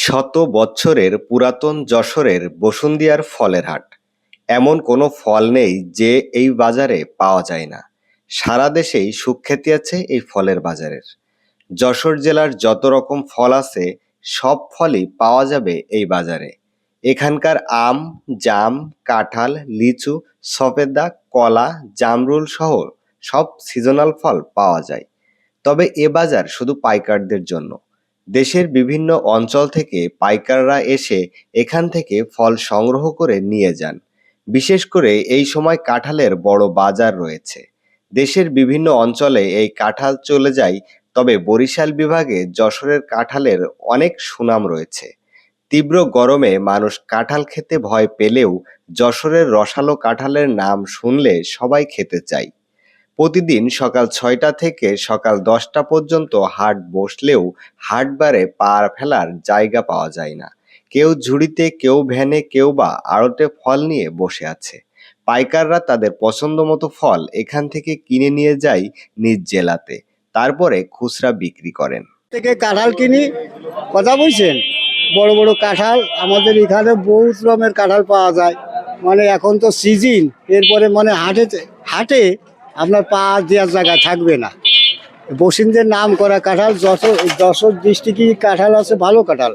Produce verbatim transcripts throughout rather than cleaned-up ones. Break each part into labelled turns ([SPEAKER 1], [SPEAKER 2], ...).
[SPEAKER 1] শত বৎসরের পুরাতন যশোরের বসুন্ধিয়ার ফলের হাট। এমন কোনো ফল নেই যে এই বাজারে পাওয়া যায় না। সারা দেশেই সুখ্যাতি আছে এই ফলের বাজারের। যশোর জেলার যত রকম ফল আছে সব ফলই পাওয়া যাবে এই বাজারে। এখানকার আম, জাম, কাঁঠাল, লিচু, সফেদা, কলা, জামরুল সহ সব সিজনাল ফল পাওয়া যায়। তবে এ বাজার শুধু পাইকারদের জন্য। দেশের বিভিন্ন অঞ্চল থেকে পাইকাররা এসে এখান থেকে ফল সংগ্রহ করে নিয়ে যান। বিশেষ করে এই সময় কাঁঠালের বড় বাজার রয়েছে। দেশের বিভিন্ন অঞ্চলে এই কাঁঠাল চলে যায়, তবে বরিশাল বিভাগে যশোরের কাঁঠালের অনেক সুনাম রয়েছে। তীব্র গরমে মানুষ কাঁঠাল খেতে ভয় পেলেও যশোরের রসালো কাঁঠালের নাম শুনলে সবাই খেতে চায়। প্রতিদিন সকাল ছয়টা থেকে সকাল দশটা পর্যন্ত হাট বসলেও হাটবারে পা ফেলার জায়গা পাওয়া যায় না। কেউ ঝুড়িতে, কেউ ভ্যানে, কেউ বা আড়তে ফল নিয়ে বসে আছে। পাইকাররা তাদের পছন্দ মতো ফল এখান থেকে কিনে নিয়ে যায় নিজ জেলাতে, তারপরে খুচরা বিক্রি করেন।
[SPEAKER 2] থেকে কাঁঠাল কিনি, কথা বলছেন, বড় বড় কাঁঠাল আমাদের এখানে বহুত রকমের কাঁঠাল পাওয়া যায়। মানে এখন তো সিজন, এরপরে মানে হাটে হাটে আপনার পা দেওয়ার জায়গা থাকবে না। বসিন্দের নাম করা কাঁঠাল, যশোর যশোর ডিস্ট্রিক্টে কাঁঠাল আছে, ভালো কাঁঠাল,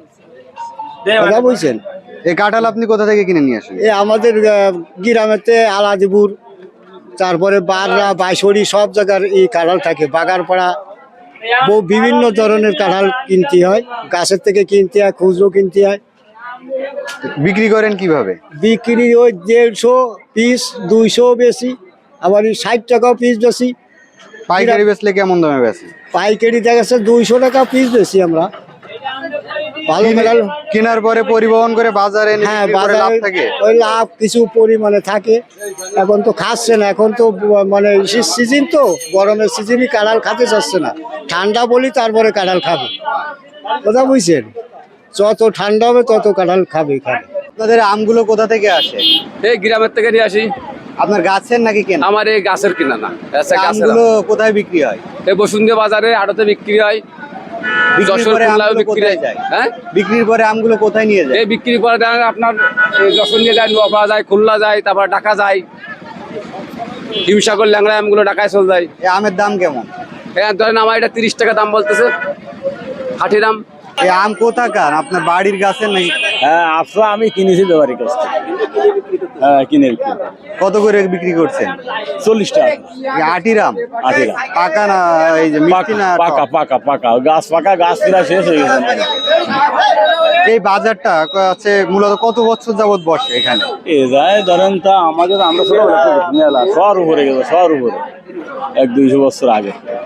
[SPEAKER 2] কথা বলছেন।
[SPEAKER 3] এই কাঁঠাল আপনি কোথা থেকে কিনে নিয়ে আসেন?
[SPEAKER 2] এ আমাদের আহ, গ্রামেতে আলাদিপুর, তারপরে বাররা, বাইশড়ি সব জায়গার এই কাঁঠাল থাকে। বাগারপাড়া বহু বিভিন্ন ধরনের কাঁঠাল কিনতে হয়, গাছের থেকে কিনতে হয়, খুচরো কিনতে হয়।
[SPEAKER 3] বিক্রি করেন কিভাবে?
[SPEAKER 2] বিক্রি ওই দেড়শো পিস, দুইশো বেশি, আবার ষাট টাকাও পিস বেশি।
[SPEAKER 3] পাইকারি বেচলে কেমন দামে বেচে?
[SPEAKER 2] পাইকারি দেখা যাচ্ছে দুইশো টাকা পিস বেশি আমরা। ভালো কাঁঠাল
[SPEAKER 3] কেনার পরে পরিবহন করে বাজারে এনে
[SPEAKER 2] হ্যাঁ,
[SPEAKER 3] বিক্রি করে লাভ
[SPEAKER 2] বাজারে
[SPEAKER 3] থাকে?
[SPEAKER 2] ওই লাভ কিছু পরিমাণে থাকে। এখন তো খাচ্ছে না, এখন তো মানে সিজন, তো গরমের সিজনই কাঁঠাল খেতে চাচ্ছে না। ঠান্ডা বলি তারপরে কাঁঠাল খাবে, কথা বুঝছেন। যত ঠান্ডা হবে তত কাঁঠাল খাবে খাবে।
[SPEAKER 3] আপনাদের আমগুলো কোথা থেকে আসে?
[SPEAKER 4] এই গ্রামের থেকে নিয়ে আসি।
[SPEAKER 3] আপনার গাছের নাকি কেনা?
[SPEAKER 4] আমার এই গাছের কিনা না, গাছের
[SPEAKER 3] আমগুলো কোথায় বিক্রি হয়?
[SPEAKER 4] এই বসুন্ধরা বাজারে আড়তে বিক্রি হয়,
[SPEAKER 3] বিক্রির
[SPEAKER 4] যশোর
[SPEAKER 3] পরে
[SPEAKER 4] খুলনাও
[SPEAKER 3] আমগুলো
[SPEAKER 4] বিক্রি
[SPEAKER 3] কোথায়
[SPEAKER 4] হয়।
[SPEAKER 3] যায়?
[SPEAKER 4] হ্যাঁ,
[SPEAKER 3] বিক্রির পরে আমগুলো কোথায় নিয়ে যায়?
[SPEAKER 4] এই বিক্রি করে দেন আপনার এই যশোর নিয়ে যায়, নোয়াপাড়া যায়, খুলনা যায়, তারপর ঢাকা যায়। হিমসাগর ল্যাংড়া আমগুলো ঢাকায় চলে যায়।
[SPEAKER 3] এই আমের দাম কেমন?
[SPEAKER 4] হ্যাঁ, ধরেন আমার এটা তিরিশ টাকা দাম বলতেছে, হাটির আম।
[SPEAKER 3] এই আম কোথাকার? আপনার বাড়ির গাছের নাকি?
[SPEAKER 5] হ্যাঁ, আফরা আমি কিনেছি ব্যাপারী কাছ থেকে। হ্যাঁ, কিনে বিক্রি।
[SPEAKER 3] কত করে বিক্রি করছেন?
[SPEAKER 5] চল্লিশ টাকা।
[SPEAKER 3] এই আটির আম?
[SPEAKER 5] আটির আম।
[SPEAKER 3] পাকা না এই যে মিষ্টি না টক?
[SPEAKER 5] পাকা পাকা পাকা গাছ পাকা, গাছ প্রায় শেষ হয়ে গেছে।
[SPEAKER 3] এই বাজারটা আছে মূলত কত বছর যাবত বসে এখানে?
[SPEAKER 5] এ যায় ধরেন তা আমাদের, আমরা ছোট মেলা শহর উপরে গেছে, শহর উপরে এক দুইশো বছর আগে।